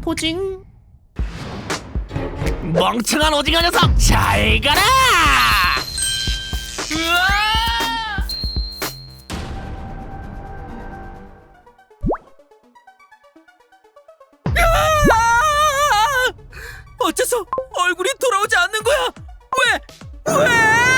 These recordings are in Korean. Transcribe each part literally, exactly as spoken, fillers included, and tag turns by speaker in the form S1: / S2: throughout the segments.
S1: 포징. 멍청한 오징어 녀석, 잘 가라! 으아!
S2: 어째서 얼굴이 돌아오지 않는 거야? 왜? 왜?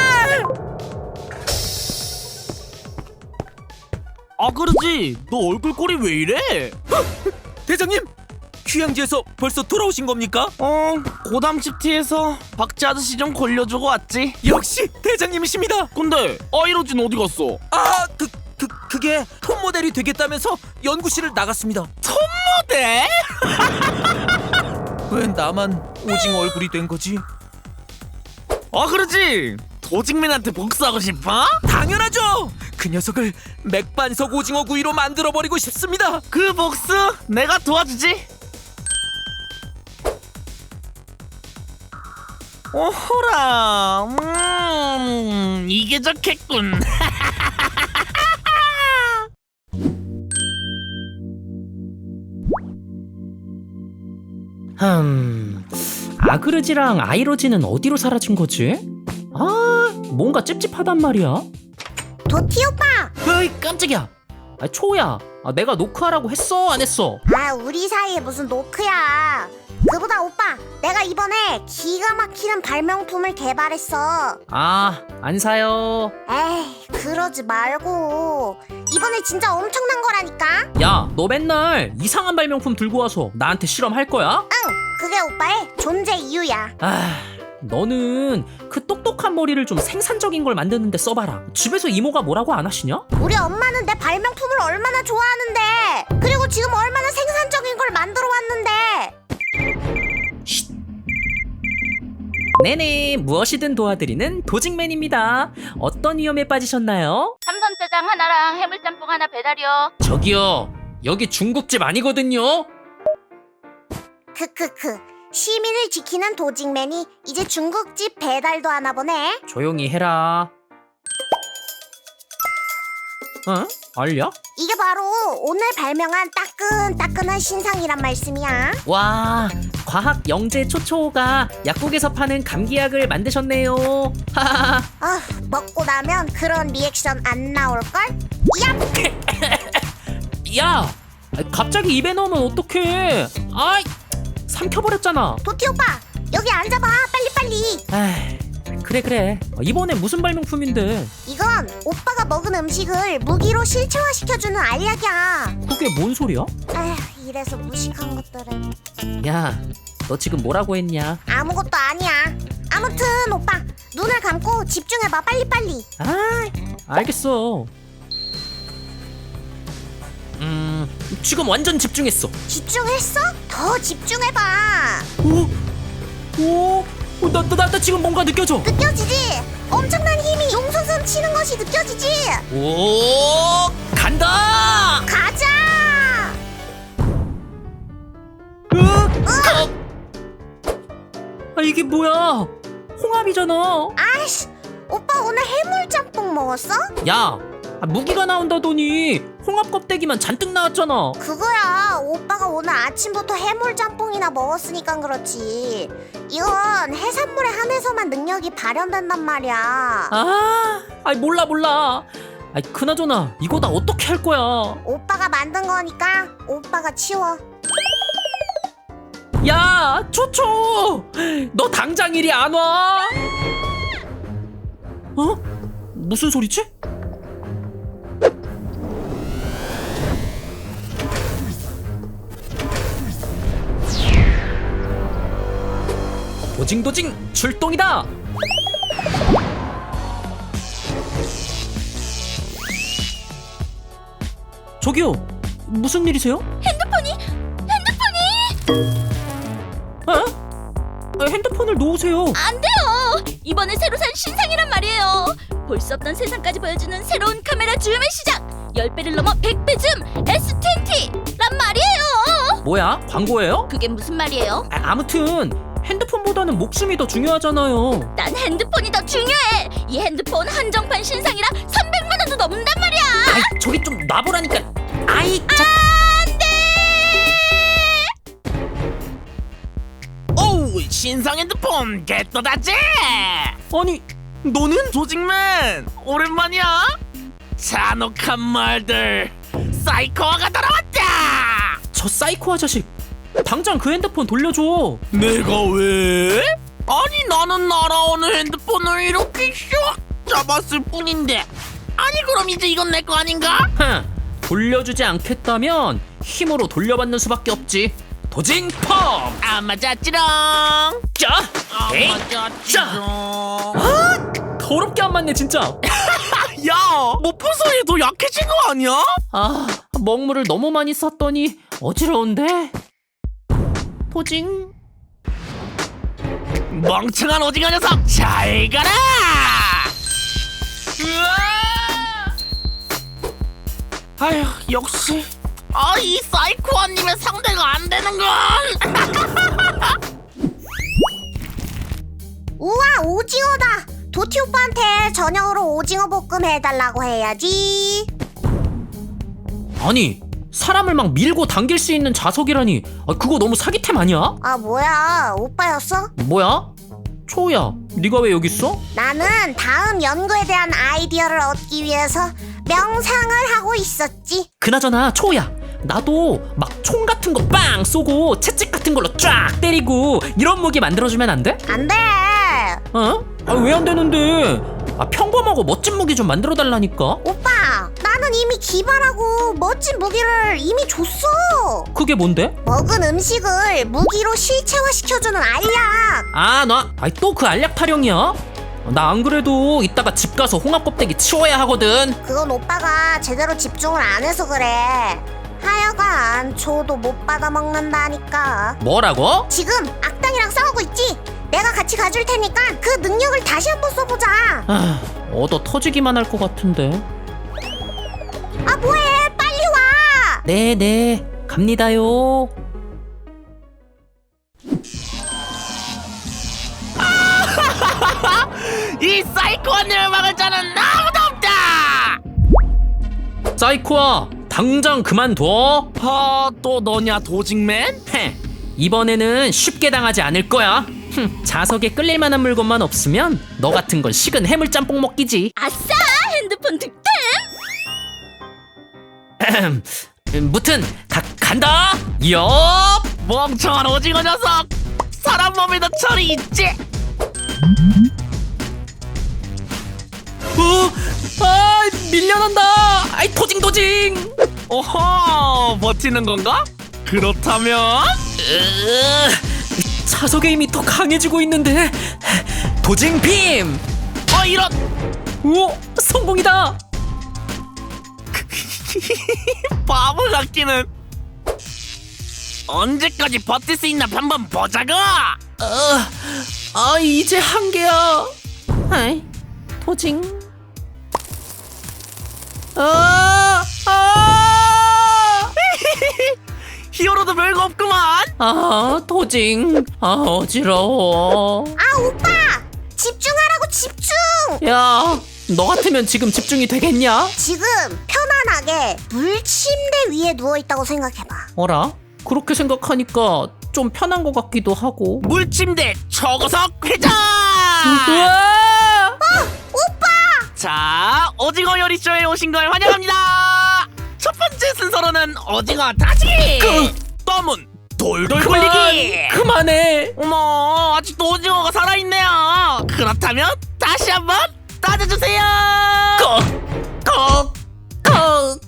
S1: 아, 그러지. 너 얼굴 꼴이 왜 이래?
S2: 대장님, 휴양지에서 벌써 돌아오신 겁니까?
S1: 어, 고담시티에서 박쥐 아저씨 좀 걸려주고 왔지.
S2: 역시 대장님이십니다.
S1: 근데 아이로진 어디 갔어?
S2: 아, 그, 그, 그게 톱 모델이 되겠다면서 연구실을 나갔습니다.
S1: 톱모델?
S2: 왜 나만 오징어 얼굴이 된 거지?
S1: 아, 그러지. 도직맨한테 복수하고 싶어?
S2: 당연하죠. 그 녀석을 맥반석 오징어 구이로 만들어버리고 싶습니다.
S1: 그 복수 내가 도와주지. 오호라, 음, 이게 좋겠군.
S3: 흠... 아그르지랑 아이로지는 어디로 사라진 거지? 아, 뭔가 찝찝하단 말이야.
S4: 도티 오빠!
S3: 어이, 깜짝이야. 아, 초야, 아, 내가 노크하라고 했어, 안 했어?
S4: 아, 우리 사이에 무슨 노크야. 그보다 오빠, 내가 이번에 기가 막히는 발명품을 개발했어.
S3: 아, 안 사요.
S4: 에이, 그러지 말고. 이번에 진짜 엄청난 거라니까?
S3: 야, 너 맨날 이상한 발명품 들고 와서 나한테 실험할 거야?
S4: 응, 그게 오빠의 존재 이유야.
S3: 아, 너는 그 똑똑한 머리를 좀 생산적인 걸 만드는데 써봐라. 집에서 이모가 뭐라고 안 하시냐?
S4: 우리 엄마는 내 발명품을 얼마나 좋아하는데. 그리고 지금 얼마나 생산적인 걸 만들어 왔는데.
S3: 네네, 무엇이든 도와드리는 도직맨입니다. 어떤 위험에 빠지셨나요?
S5: 삼선짜장 하나랑 해물짬뽕 하나 배달이요.
S3: 저기요, 여기 중국집 아니거든요.
S4: 크크크. 시민을 지키는 도직맨이 이제 중국집 배달도 하나 보네.
S3: 조용히 해라. 어? 알려?
S4: 이게 바로 오늘 발명한 따끈따끈한 신상이란 말씀이야.
S3: 와, 과학 영재 초초가 약국에서 파는 감기약을 만드셨네요. 하하하.
S4: 아, 먹고 나면 그런 리액션 안 나올걸? 얍!
S3: 야, 갑자기 입에 넣으면 어떡해? 아이, 삼켜버렸잖아.
S4: 도티 오빠, 여기 앉아봐. 빨리빨리.
S3: 에이, 그래 그래. 이번엔 무슨 발명품인데?
S4: 이건 오빠가 먹은 음식을 무기로 실체화시켜주는 알약이야.
S3: 그게 뭔 소리야?
S4: 에휴, 이래서 무식한 것들은.
S3: 야, 너 지금 뭐라고 했냐?
S4: 아무것도 아니야. 아무튼 오빠, 눈을 감고 집중해봐. 빨리빨리.
S3: 아, 알겠어. 음, 지금 완전 집중했어.
S4: 집중했어? 더 집중해봐.
S3: 오, 오, 나, 나, 나, 나 지금 뭔가 느껴져.
S4: 느껴지지? 엄청난 힘이 용솟음 치는 것이 느껴지지?
S3: 오, 간다.
S4: 가자!
S3: 으, 아, 이게 뭐야? 홍합이잖아.
S4: 아이씨, 오빠 오늘 해물짬뽕 먹었어?
S3: 야, 아, 무기가 나온다더니 홍합 껍데기만 잔뜩 나왔잖아.
S4: 그거야, 오빠가 오늘 아침부터 해물짬뽕이나 먹었으니까 그렇지. 이건 해산물에 한해서만 능력이 발현된단 말이야.
S3: 아, 아이 몰라 몰라. 아이 그나저나 이거 나 어떻게 할 거야?
S4: 오빠가 만든 거니까 오빠가 치워.
S3: 야, 초초, 너 당장 이리 안 와? 어? 무슨 소리지? 도징도징 출동이다! 저기요, 무슨 일이세요?
S5: 핸드폰이 핸드폰이
S3: 어? 아, 핸드폰을 놓으세요.
S5: 안 돼요. 이번에 새로 산 신상이란 말이에요. 볼 수 없던 세상까지 보여주는 새로운 카메라 줌의 시작. 십 배를 넘어 백 배 줌 에스 이십란 말이에요.
S3: 뭐야? 광고예요?
S5: 그게 무슨 말이에요?
S3: 아, 아무튼 핸드폰보다는 목숨이 더 중요하잖아요.
S5: 난 핸드폰이 더 중요해. 이 핸드폰 한정판 신상이라 삼백만 원도 넘는단 말이야.
S3: 아이, 저기 좀 놔보라니까. 아이, 자.
S5: 안 돼.
S1: 신상 핸드폰 개떠다지.
S3: 아니 너는?
S1: 조직맨 오랜만이야. 잔혹한 말들. 사이코가 돌아왔다.
S3: 저 사이코 아저씨 당장 그 핸드폰 돌려줘.
S1: 내가 왜? 아니 나는 날아오는 핸드폰을 이렇게 슉 잡았을 뿐인데. 아니 그럼 이제 이건 내 거 아닌가?
S3: 흥, 돌려주지 않겠다면 힘으로 돌려받는 수밖에 없지. 도징펌!
S1: 안 맞았지롱.
S3: 자! 에이!
S1: 안 맞았지롱.
S3: 더럽게 안 맞네 진짜.
S1: 야, 뭐 부서에 더 약해진 거 아니야?
S3: 아, 먹물을 너무 많이 쌌더니 어지러운데. 도징.
S1: 멍청한 오징어 녀석 잘 가라. 아휴 역시 아 이 사이코아님의 상대가 안 되는 건.
S4: 우와 오징어다. 도티 오빠한테 저녁으로 오징어 볶음 해달라고 해야지.
S3: 아니 사람을 막 밀고 당길 수 있는 자석이라니. 아, 그거 너무 사기템 아니야?
S4: 아 뭐야 오빠였어?
S3: 뭐야? 초우야 네가 왜 여기 있어?
S4: 나는 다음 연구에 대한 아이디어를 얻기 위해서 명상을 하고 있었지.
S3: 그나저나 초우야 나도 막 총 같은 거 빵 쏘고 채찍 같은 걸로 쫙 때리고 이런 무기 만들어주면 안 돼?
S4: 안 돼.
S3: 어? 아, 왜 안 되는데? 아, 평범하고 멋진 무기 좀 만들어 달라니까.
S4: 오빠 나는 이미 기발하고 멋진 무기를 이미 줬어.
S3: 그게 뭔데?
S4: 먹은 음식을 무기로 실체화시켜주는 알약.
S3: 아, 나, 아이 또 그 알약 타령이야? 나 안 그래도 이따가 집 가서 홍합 껍데기 치워야 하거든.
S4: 그건 오빠가 제대로 집중을 안 해서 그래. 하여간 조도 못 받아 먹는다니까.
S3: 뭐라고?
S4: 지금 악당이랑 싸우고 있지? 내가 같이 가줄 테니까 그 능력을 다시 한번 써보자.
S3: 아, 얻어 터지기만 할 것 같은데.
S4: 아 뭐해 빨리 와.
S3: 네네 갑니다요.
S1: 이 사이코아님을 막을 자는 아무도 없다.
S3: 사이코아 당장 그만둬.
S1: 아, 또 너냐 도직맨?
S3: 헤, 이번에는 쉽게 당하지 않을 거야. 흠, 자석에 끌릴 만한 물건만 없으면 너 같은 건 식은 해물짬뽕 먹기지.
S5: 아싸! 핸드폰 득템!
S3: 무튼 가, 간다. 엽.
S1: 멍청한 오징어 녀석. 사람 몸에도 철이 있지.
S3: 어, 아 밀려난다. 아이 도징 도징.
S1: 오호, 버티는 건가? 그렇다면
S3: 으, 자석의 힘이 더 강해지고 있는데. 도징 빔.
S1: 어 이런.
S3: 오 성공이다.
S1: 바보 같기는. 언제까지 버틸 수 있나 한번 보자고.
S3: 어, 아 이제 한계야. 아이 도징. 아, 아,
S1: 히어로도 별거 없구만.
S3: 아 도징. 아 어지러워.
S4: 아 오빠 집중하라고 집중.
S3: 야, 너 같으면 지금 집중이 되겠냐?
S4: 지금 편안하게 물침대 위에 누워있다고 생각해봐.
S3: 어라? 그렇게 생각하니까 좀 편한 것 같기도 하고.
S1: 물침대 초고속 회전.
S3: 우와!
S1: 자, 오징어 요리쇼에 오신 걸 환영합니다. 첫 번째 순서로는 오징어 다지기.
S3: 그-
S1: 떠문 돌돌
S3: 그만,
S1: 굴리기.
S3: 그만해.
S1: 어머, 아직도 오징어가 살아있네요. 그렇다면 다시 한번 따져주세요.
S3: 꺽, 꺽.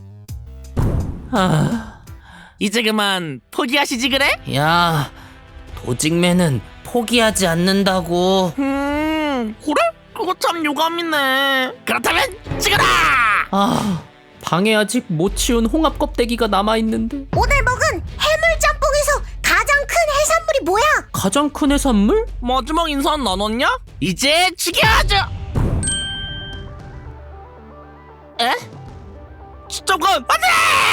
S3: 아,
S1: 이제 그만 포기하시지 그래?
S3: 야, 도직맨은 포기하지 않는다고.
S1: 음, 그래? 그거 참 유감이네. 그렇다면 찍어라.
S3: 아, 방에 아직 못 치운 홍합 껍데기가 남아 있는데.
S4: 오늘 먹은 해물짬뽕에서 가장 큰 해산물이 뭐야?
S3: 가장 큰 해산물?
S1: 마지막 인사는 나눴냐? 이제 죽여야죠. 에? 잠깐, 안돼!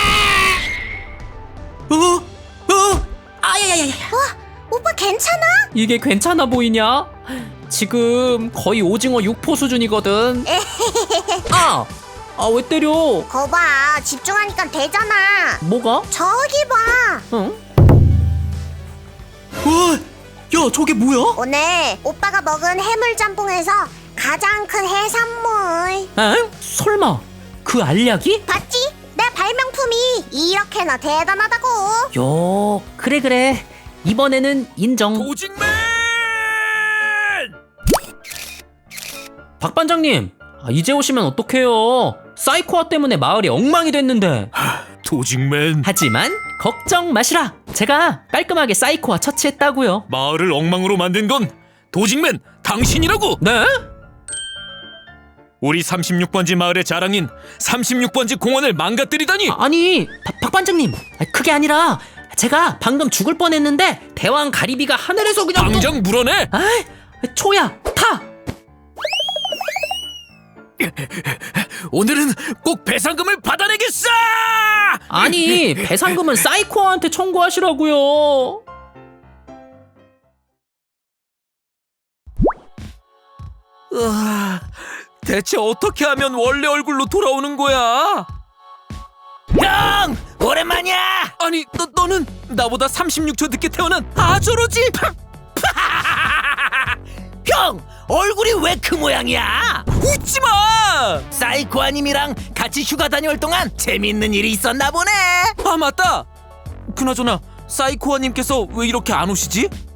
S3: 어, 어, 아야야야.
S4: 와 오빠 괜찮아?
S3: 이게 괜찮아 보이냐? 지금 거의 오징어 육포 수준이거든. 아, 아 왜 때려?
S4: 거봐 집중하니까 되잖아.
S3: 뭐가?
S4: 저기 봐.
S3: 응? 와, 야
S2: 뭐야, 저게 뭐야?
S4: 오늘 오빠가 먹은 해물짬뽕에서 가장 큰 해산물.
S3: 에? 설마 그 알약이?
S4: 봤지? 내 발명품이 이렇게나 대단하다고.
S3: 요, 그래 그래. 이번에는 인정.
S2: 도직맨!
S3: 박 반장님, 아, 이제 오시면 어떡해요? 사이코아 때문에 마을이 엉망이 됐는데.
S2: 도직맨,
S3: 하지만 걱정 마시라. 제가 깔끔하게 사이코아 처치했다고요.
S2: 마을을 엉망으로 만든 건 도직맨 당신이라고!
S3: 네?
S2: 우리 삼십육 번지 마을의 자랑인 삼십육 번지 공원을 망가뜨리다니!
S3: 아니, 박, 박 반장님, 아, 그게 아니라 제가 방금 죽을 뻔했는데 대왕 가리비가 하늘에서 그냥 또-
S2: 당장 물어내!
S3: 아이, 초야, 타!
S2: 오늘은 꼭 배상금을 받아내겠어!
S3: 아니, 배상금은 사이코아한테 청구하시라고요.
S2: 으아, 대체 어떻게 하면 원래 얼굴로 돌아오는 거야?
S1: 형 오랜만이야.
S2: 아니, 너, 너는 나보다 삼십육 초 늦게 태어난 아저로지?
S1: 형 얼굴이 왜 그 모양이야?
S2: 웃지마!
S1: 사이코아님이랑 같이 휴가 다녀올 동안 재밌는 일이 있었나 보네.
S2: 아, 맞다! 그나저나 사이코아님께서 왜 이렇게 안 오시지?